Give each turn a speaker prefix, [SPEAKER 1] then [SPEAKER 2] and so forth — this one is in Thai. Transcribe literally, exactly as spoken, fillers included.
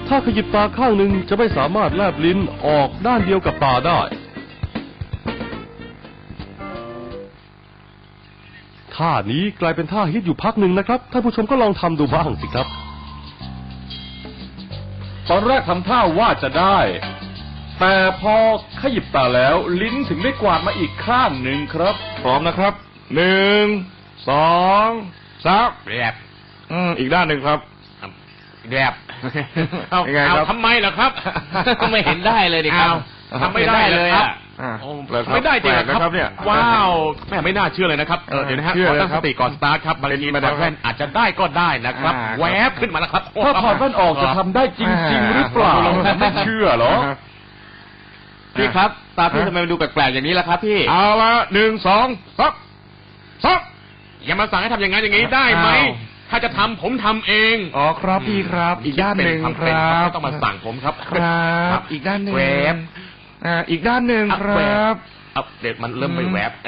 [SPEAKER 1] ถ้าขยิบตาข้างหนึ่งจะไม่สามารถแลบลิ้นออกด้านเดียวกับตาได้ท่านี้กลายเป็นท่าฮิตอยู่พักหนึ่งนะครับท่านผู้ชมก็ลองทำดูบ้างสิครับ
[SPEAKER 2] ตอนแรกทำท่าว่าจะได้แต่พอขยิบตาแล้วลิ้นถึงได้กวาดมาอีกข้างหนึ่งครับพร้อมนะครับหนึ่งสองสามแยบอืมอีกด้านหนึ่งครับแยบ
[SPEAKER 3] เอาเอาทำไมเหรอครับก็ไม่เห็นได้เลยดิครับทำไม่ได้เลยอ่ะไม่ได้จริงครับเนี่ยว้าวแม่ไม่น่าเชื่อเลยนะครับเดี๋ยวนะฮะขอตั้งสติก่อนสตาร์ทครับบางทีถอดแว่นอาจจะได้ก็ได้นะครับแวบขึ้นมาแล้วครับ
[SPEAKER 2] ถ้าถอดแว่นออกจะทำได้จริงๆหรือเปล่าไม่เชื่อหรอ
[SPEAKER 3] พี่ครับตาพี่ทำไมมันดูแปลกๆอย่างนี้ล่ะครับพี่
[SPEAKER 2] เอาละหนึ่งสองซับซับ
[SPEAKER 3] อย่ามาสั่งให้ทำอย่างนั้นอย่างนี้ได้ไหมถ้าจะทำผมทำเอง
[SPEAKER 2] อ๋อครับพี่ครับอีกด้านหนึ่งครับ
[SPEAKER 3] ไม่ต้องมาสั่งผมครับ
[SPEAKER 2] ครับอีกด้านหนึ่งแวบอ่าอีกด้านหนึ่งครับ
[SPEAKER 3] เด็ดมันเริ่มไปแวบ